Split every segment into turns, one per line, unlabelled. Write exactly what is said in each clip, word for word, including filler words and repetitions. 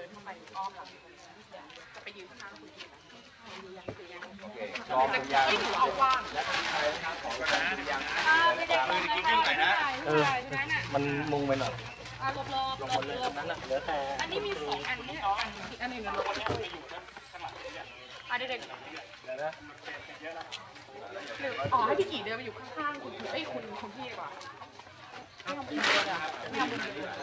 นเข้าไปอ้อมหลังจะไปยืนข้างหน้าคุณพี่โอเค
ลองเป็นยัง
ไม่ถือเอากว้าง
ของกันนะยัง
ไม่ได้ไม่ได้ไม่ได้เออ
มันมุงไปหน่อย
ลบลบลบลบนั้นน่ะเหลือแต่อันนี้มีสองอันนี่อีกอันหนึ่งนะลบอ่ะเด็กๆเดี๋ยวนะอ๋อให้พี่กี่เดินไปอยู่ข้างๆคุณไอ้คุณคุณพี่ดีกว่าไม่ทำพี่เดินอ่ะไม่ทำพี่เดิน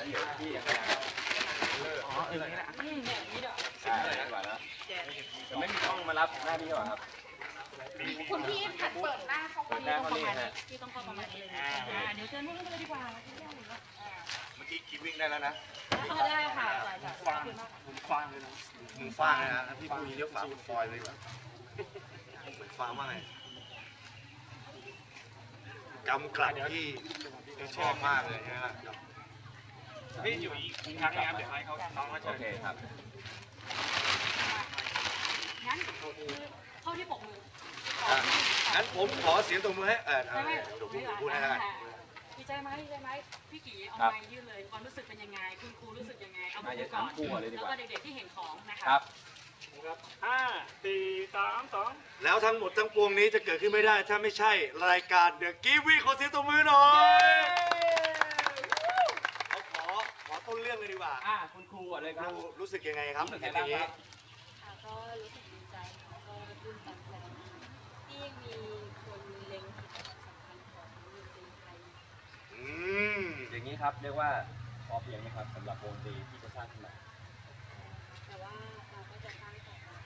อ๋อเออนี่แหละอืมแบบนี้เด้อใช่ดีกว่าแล้วจะไม่มีช่องมารับหน้าพี่หรอครับคุณพี่ผัดเปิดหน้าเขาคนนี้ต้องประมาณนี้พี่ต้องเข้าประมาณนี้เลยเดี๋ยวเชิญนู่นเลยดีกว่า
เมื่อกี้คิดวิ่งได้แล้วนะ
ได้ค่ะ
ฟางผมฟางเลยนะมึงฟางเลยนะพี่พูดนี้เรียกฟางฟอยเลยแบบฟางมากเลยกำกลัดที่ชอบมากเลยนะฮะพี่อยู่อีกครั้งนะครับเดี๋ยวให้เขาน้องเขาเชิญโอเคครับ
งั้นเข้าที่ปกมือ
งั้นผมขอเสียงตบมือให้เออพูดให้ได้
ดีใจไหมดีใจไหมพี่กี่เอาไม้ยื่นเลยความรู้สึกเป็นยังไงคุณครูรู้สึกยังไงเอาไปก่อนแล้วก็เด็กๆที่เห็นของนะคะ
ครับ
ห้าสี่สามสอง
แล้วทั้งหมดทั้งปวงนี้จะเกิดขึ้นไม่ได้ถ้าไม่ใช่รายการเดอะกีวีขอเสียงตบมือหน่อยเขาขอขอต้นเรื่องเลยดีกว่า
อ่าคุณครูก่อนเลยครับ
รู้สึกยังไงครับ
รู้สึกยังไงบ้าง
ค่ะก็รู้สึกดีใจค่ะก็ตื่นตันใจที่ยังมีคนเล็งเห็นความสำคัญของดนตรีไทย
อืม
อย่างนี้ครับเรียกว่าพอเพียงไหมครับสำหรับวงดนตรีที่จะสร้างขึ้นมา
แต่ว่าเราก็จะสร้างต่อไป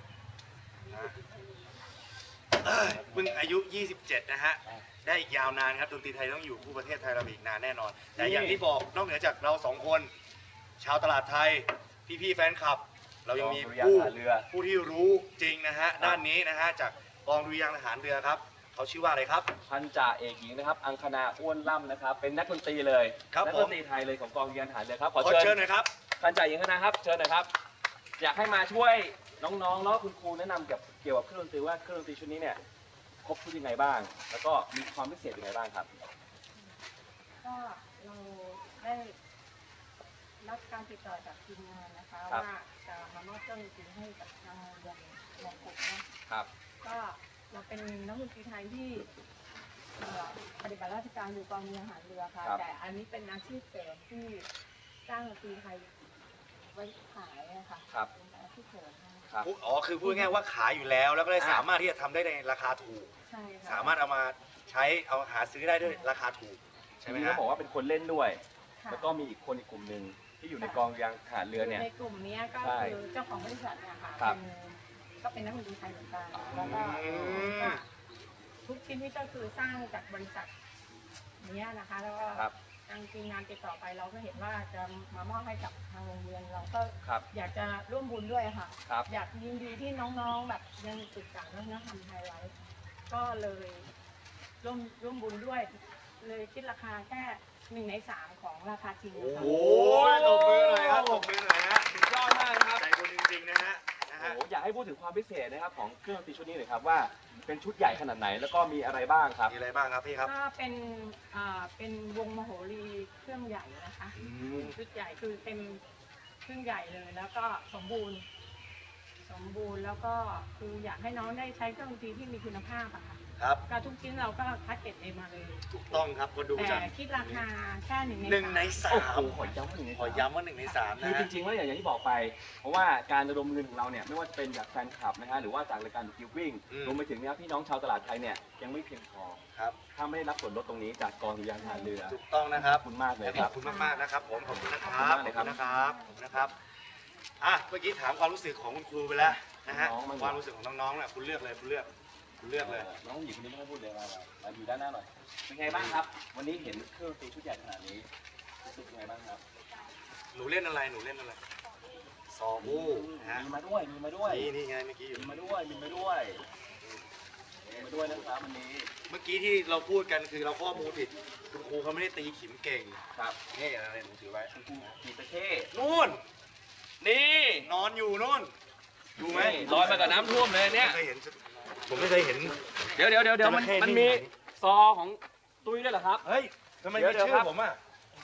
เพิ่งอายุยี่สิบเจ็ดนะฮะได้อีกยาวนานครับดนตรีไทยต้องอยู่คู่ประเทศไทยเราอีกนานแน่นอนแต่อย่างที่บอกนอกเหนือจากเราสองคนชาวตลาดไทยพี่ๆแฟนคลับเรายังมีผู้ผู้ที่รู้จริงนะฮะด้านนี้นะฮะจากกองดุริยางค์ทหารเรือครับเขาชื่อว่าอะไรครับ
พันจ่าเอกหญิงนะครับอังคณาอ้วนล่ำนะครับเป็นนักดนตรีเลยนักดนตรีไทยเลยของกองดุริยางค์ทหารเรือครับ
ขอเชิญหน่อยครับ
พันจ่าเอกหญิงนะครับเชิญหน่อยครับอยากให้มาช่วยน้องๆแล้วคุณครูแนะนำเกี่ยวเกี่ยวกับเครื่องดนตรีว่าเครื่องดนตรีชุดนี้เนี่ยครบชุดยังไงบ้างแล้วก็มีความพิเศษยังไงบ้างครับ
ก็เราได้รับการติดต่อจากทีมงานนะคะว่าจะมามอบเครื่องดนตรีให้กับทางโรงเรียนมงกุฎนะครับก็เราเป็นนักดนตรีไทยที่ปฏิบัติราชการอยู่กองเรือทหารเรือค่ะแต่อันนี้เป็นอาชีพเสริมที่สร้างดนตรีไทยไว้ขายนะคะเป็นอาชีพเสริม
อ๋อคือพูดง่ายว่าขายอยู่แล้วแล้วก็ได้สามารถที่จะทำได้ในราคาถูก
ใช่ค่ะ
สามารถเอามาใช้เอาหาซื้อได้ด้วยราคาถูกใช่ไหม
ครับบอกว่าเป็นคนเล่นด้วยแล้วก็มีอีกคนอีกกลุ่มหนึ่งที่อยู่ในกองยางทหารเรือเนี่ย
ในกลุ่มนี้ก็คือเจ้าของบริษัทเนี่ยค่ะเป็นก็เป็นนักดนตรีไทยเหมือนกันแล้วก็ทุกชิ้นนี่ก็คือสร้างจากบริษัทนี้นะคะแล้วก็ทางทีมงานติดต่อไปเราก็เห็นว่าจะมามอบให้กับทางโรงเรียนเราก็อยากจะร่วมบุญด้วยค่ะอยากยินดีที่น้องๆแบบยังศึกษาเรื่องวัฒนธรรมไทยไว้ก็เลยร่วมร่วมบุญด้วยเลยคิดราคาแค่หนึ่งในสามของราคาจริง
โอ้โหตบมือหน่อยครับตบมือหน่อยฮะ
สุดยอดมากครับ
ใจบุญจริงๆนะฮะ
อยากให้พูดถึงความพิเศษนะครับของเครื่องดนตรีชุดนี้หน่อยครับว่าเป็นชุดใหญ่ขนาดไหนแล้วก็มีอะไรบ้างครับ
มีอะไรบ้างครับพี่ครับ
ก็เป็นอ่าเป็นวงมโหรีเครื่องใหญ่นะคะชุดใหญ่คือเต็มเครื่องใหญ่เลยแล้วก็สมบูรณ์สมบูรณ์แล้วก็คืออยากให้น้องได้ใช้เครื่องดนตรีที่มีคุณภาพอะค่ะ
ครับ
การทุกชิ้นเราก็คัดเก็บเองมาเลย
ถูกต้องครับก็ดูจาก
แต่คิดราคาแค่หนึ่งใน
หนึ่งในสาม
ขอย้ำว่าหนึ่งใน
ขอย้ำว่าหนึ่งในสามนะ
คือจริงๆว่าอย่างที่บอกไปเพราะว่าการระดมเงินของเราเนี่ยไม่ว่าจะเป็นจากแฟนคลับนะฮะหรือว่าจากรายการกิฟวิ่งรวมไปถึงเนี่ยพี่น้องชาวตลาดไทยเนี่ยยังไม่เพียงพอ
ครับ
ถ้าไม่ได้รับส่วนลดตรงนี้จากกองดุริยางค์ทหารเรือ
ถูกต้องนะครับ
ขอบคุณมากเลย
ขอบคุณมากๆนะครับผมขอบคุณนะครับขอบคุณนะครับขอบคุณนะครับอ่ะเมื่อกี้ถามความรู้สึกของคุณครูไปแล้วนะฮะความรู้สึกของน้องๆเนี่ยคุณเลือกเลยคุณเลือกเลือกเลย
น้องหญิงคนนี้ไม่ต้องพูดเลยมามาอยู่ด้านหน้าหน่อยเป็นไงบ้างครับวันนี้เห็นเครื่องดนตรีชุดใหญ่ขนาดนี้รู้สึกยังไงบ้างครับ
หนูเล่นอะไรหนูเล่นอะไรซอบู
ฮะมีมาด้วยมีมาด้วย
นี่นี่ไงเมื่อกี้
มีมาด้วยมีมาด้วยมีมาด้วยนะครับวันนี้
เมื่อกี้ที่เราพูดกันคือเราข้อมูลผิดคุณครูเขาไม่ได้ตีขิมเก่ง
ครับ
นี่อะไรหนูถือไว้
คุณครูตีตะเข้
นู่น
นี่
นอนอยู่นู่นดูไหม
ลอยมากับน้ำท่วมเลยเนี่ย
เคยเห็นผมไม่เคยเห็น
เดี๋ยวเดี๋ยวเดี๋ยวมันมันมีซอของตุ้ยด้วยเหรอครับ
เฮ้ยทำไมมีชื่อผมอ่ะ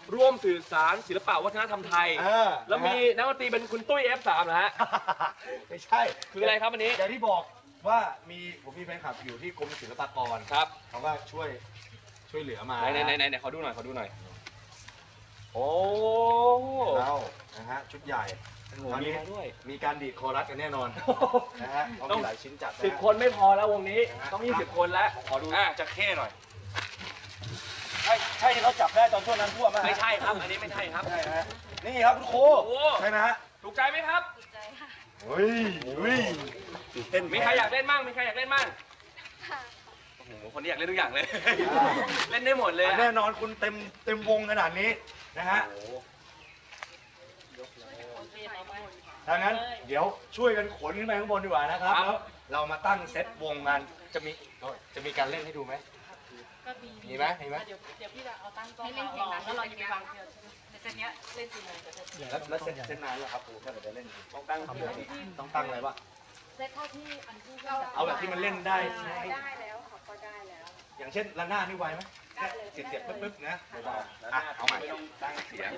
ร่วมสื่อสารศิลปะวัฒนธรรมไทย
เออ
แล้วมีนักดนตรีเป็นคุณตุ้ย เอฟ สาม นะฮะ
ไม่ใช่
คืออะไรครับอันนี้
อย่างที่บอกว่ามีผมมีแฟนคลับอยู่ที่กรมศิลปากร
ครับ
เขาก็ช่วยช่วยเหลือมา
ไหนไหนไหนไหนขอดูหน่อยขอดูหน่อยโอ้
เรานะฮะชุดใหญ่
โห
ตอน
มี
นี้
มาด้วย
มีการดีดคอรัสกันแน่นอนนะฮะเขา
ต้อง
มีหลายชิ้นจัดนะ
สิบ
ฮะ
คนไม่พอแล้ววงนี้ต้องยี่สิบคนแล้ว
ขอดู
อ่ะ
จะเข้หน่อยใช่ใช่ที่เขาจับได้ตอนช่วงนั้นทั่วไหมฮะ
ไม่ใช่ครับ อันนี้ไม่ใช่ครับ
ใช่ฮะนี่ครับคุณครู
โอ้
ใช่ไหมฮะ
ถูกใจไหมครับ
ถูกใจค่ะ
เฮ้ยเฮ้ยตื่นเต้น
มีใครอยากเล่นมั่งมีใครอยากเล่นมั่ง
ค่ะ
โอ้โหคนนี้อยากเล่นทุกอย่างเลย เล่นได้หมดเลยอะ
แน่นอนคุณเต็มเต็มวงขนาดนี้นะฮะ
โอ้โห
ดังนั้นเดี๋ยวช่วยกันขนขึ้นไปข้างบนดีกว่านะครับแล้วเรามาตั้งเซตวงกันจะมีจะมีการเล่นให้ดูไหม
ก็มี
มีไหมมีไหม
เดี๋ยวเดี๋ยวพี่จะเอาตั้งกล้องให้เล่นเพลงนั้นแล้วเราจะไปวางเทียนในเซตเนี้ยเล่นกี่โมงจะเสร็จ
แล้วแล้วเซตเซตนานแล้วครับครูถ้าเกิดจะเล่น
ต้องตั้ง
ต้องตั้งอะไรวะ
เซตเท่าที่อันที่
เอาแบบที่มันเล่นได้
ได้แล้วค่ะก็ได้แล้ว
อย่างเช่นระนาดนี่ไวไหมแค่เสียบเสียบๆปึ๊บๆนะเบาๆอ่ะเอาใหม่
ไม่ต้องตั้งเสียง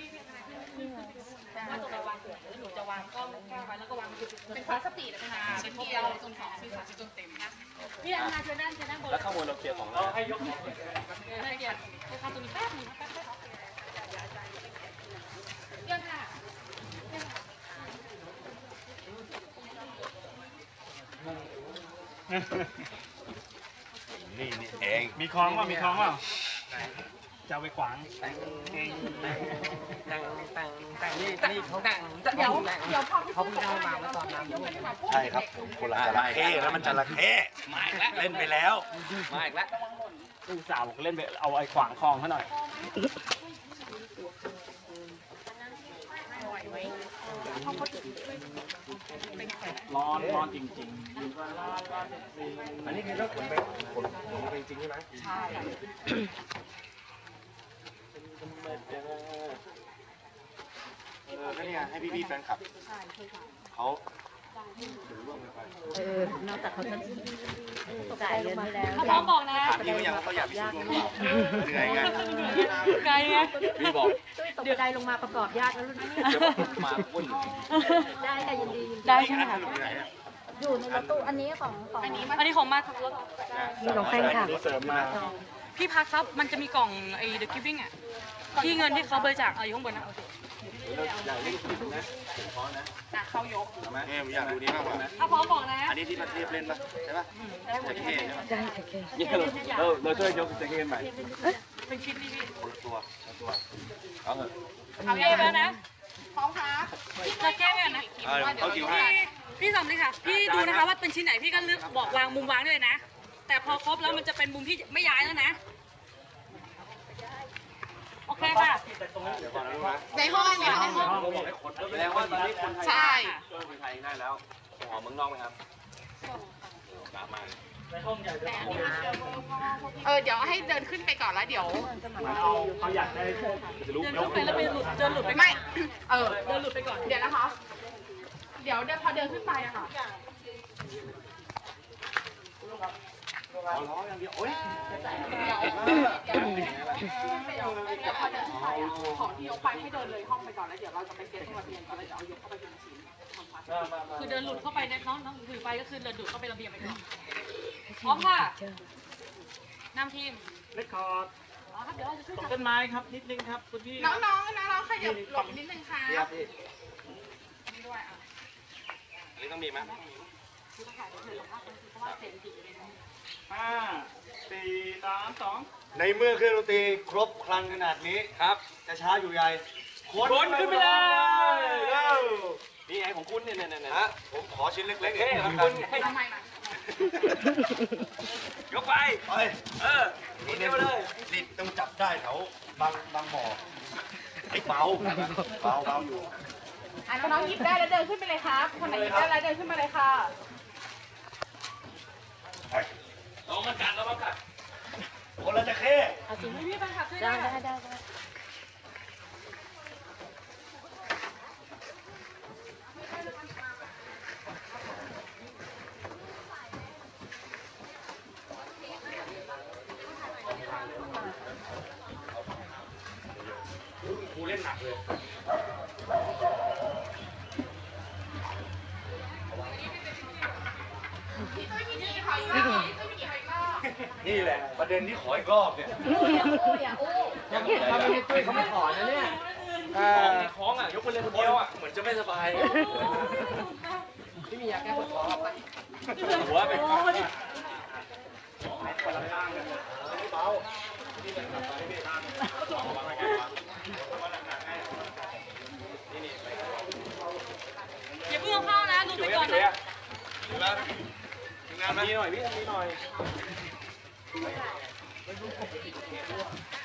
ว่าตัวเราวางเสือแล้วหนูจะวางกล้องแก้วไว้แล้วก็วางเป็นคลาสสปีดนะคะเป็นที่เราจนสองที่สามจนเต็มนะพี่อันนาเชิญด้านเชิญด้านบน
แล้วข้างบนเราเคลียร์ของเราให้ยก
ได้เกียรติไปทำตรงนี้แป๊บนึงแป๊บนึงเยี่ยมค่ะ
นี่นี่เอง
มีคล้องว่ามีคล้องว่าจะเอาไปขวาง
ตั้งตั้งตั้งนี่นี่เขาตั้ง
เดี๋ยวเดี๋ยวพอเขาเพิ่งได้มาเมื่อตอนนั้น
ใช่ครับผมคนละจระเข้แล้วมันจระเข้
มาอีกแล้ว
เล่นไปแล้ว
มาอีกแล้ว
ลูกสาวบอกเล่นไปเอาไอ้ขวางคลองเขาหน่อยร้อนร้อนจริง
อันนี้คือเรื่องขนไปขนขนไปจริงใช่ไหมใช่เออก็เนี่ยให้พี่ๆแฟนคลับเขาถือร่วมกันไป
เออนอกจากเขาจะจ่ายเงินให้แล้ว
ถ้าพร้อมบอกนะ
ถามพี่เขายังว่าเขาอยากมีส่วนร่วมหรือเปล่าเหนื่อยไง
ไกลไง
พี่บอก
ตกบันไดลงมาประกอบยากแล้วรุ่นนี้
เดี๋ยวมาวุ่น
ได้ค่ะยินดียินดี
ได้ใช่ไหมคะ
สนุกไหนอะ
อยู่ในรถตู้อันนี้ของของ
อันนี้อันนี้ของมาขับรถ
มีของแฟนคลับ
ๆเสริมมา
พี่พักครับ มันจะมีกล่องไอ้ The Giving อ่ะ ที่เงินที่เขาบริจาคเอาอยู่ข้างบนนะ
อยากเล่นคลิปนะผมพร้อมนะ
อ่ะเข้ายก
เนี่ยผมอยากดูนี้มากกว่า
ถ้าพร้อมบอกนะ
อันนี้ที่ประเทศเล่นปะใช่ปะจระเข้ใช่ปะ
ได้ค่ะแก
เนี่ยเราเราช่วยยกจะเกมใหม่
เป็นชิ้นนี่พี่
คนละตัวคนละตัว
เอาเถอะ
เอาเย่แล้วนะ พร้อมครับจะแก้กันนะ
เอาเขาคิวให้
พี่พี่สำลีค่ะ พี่ดูนะคะว่าเป็นชิ้นไหนพี่ก็เลือกบอกวางมุมวางได้เลยนะ แต่พอครบแล้วมันจะเป็นมุมที่ไม่ย้ายแล้วนะ โอเคค่ะ
เดี๋ยวก่อนนะลูกนะ
ในห้องในห้อง
เราบอกให้คนแสดงว่าตอนนี้คนไทย
ใช่
ช่วยคนไทยได้แล้วส่งออกเมืองนอกไหมครับตามมา
เออเดี๋ยวให้เดินขึ้นไปก่อนแล้วเดี๋ยว
เอาเขาอยากได้
จะรู้
เดินขึ้นไปแล้วไปหลุดเดินหลุดไป
ไม่ เออ
เดินหลุดไปก่อน
เดี๋ยวนะคะ เดี๋ยวเดินพอเดินขึ้นไปอะค่ะ
เอาล้ออย่างเดียวโอ๊ย
เดี๋ยวเดี๋ยวเดี๋ยวเดี๋ยวพอเดินขึ้นไปอะของที่ยกไปให้เดินเลยห้องไปก่อนแล้วเดี๋ยวเราจะไปเซ็ตตรงระเบียงก่อนแล้วเดี๋ยวเอายกเข้าไปทีละชิ้นทำความ
คือเดินหลุดเข้าไปในน้องน้องถือไปก็คือเดินหลุดเข้าไประเบียงไปก่อนพร้อมค่ะนำทีม
เลคคอร์ด
อ๋อครับเดี๋ยวเราจะช่วย
ตก
จับ
ต้นไม้ครับนิดนึงครับคุณพี่
น้องๆน้องๆขยับหลบนิดนึงค่ะ
พี่ครับพี่
นี่ด้วยอ่ะ
อันนี้ต้องมีไหม
คือถ่ายไปเถอะเพราะว่าเซนติเลยนะ
ห้าสี่สามสอง
ในเมื่อเครื่องดนตรีครบครันขนาดนี้
ครับ
จะช้าอยู่ใหญ่
ขนขึ้นไปเลย
เร็ว
นี่ไงของคุณเนี่ยเนี่ยเนี่ย
ฮะผมขอชิ้นเล็กๆเอ
เท่
ง
ของ
แล้วกั
คุ
น
ณให้
ทำไมนะ
ยกไป
ไป
เออนี่เดียวเลย
ลิดต้องจับได้แถวบางบางบ่อไอ้เบาเบาเบาอยู่
อ่ะน้องๆหยิบได้แล้วเดินขึ้นไปเลยครับ คนไหนหยิบได้แล้วเดินขึ้นมาเลยค่ะ
ลองมากัดลองมากัด
คนละจะเข้
พี่พี่แฟนคลับช่วย
ได้
ได้
ได้ได้ได้
นี่แหละประเด็นที่ขออีกรอบเนี่ย
ถ้าไม่ให้ตุ้ยเขาไม่ขอนะเนี่ยของของอ่ะยกไปเลยคนเดียวอ่ะ
เหมือนจะไม่สบาย
ที่มียาแก้ปวดท้องไปหัวไปเบา
อย่าเพิ่งเอาเข้านะดูไปก่อนนะ
งานมาดีหน่อยพี่ทำดีหน่อย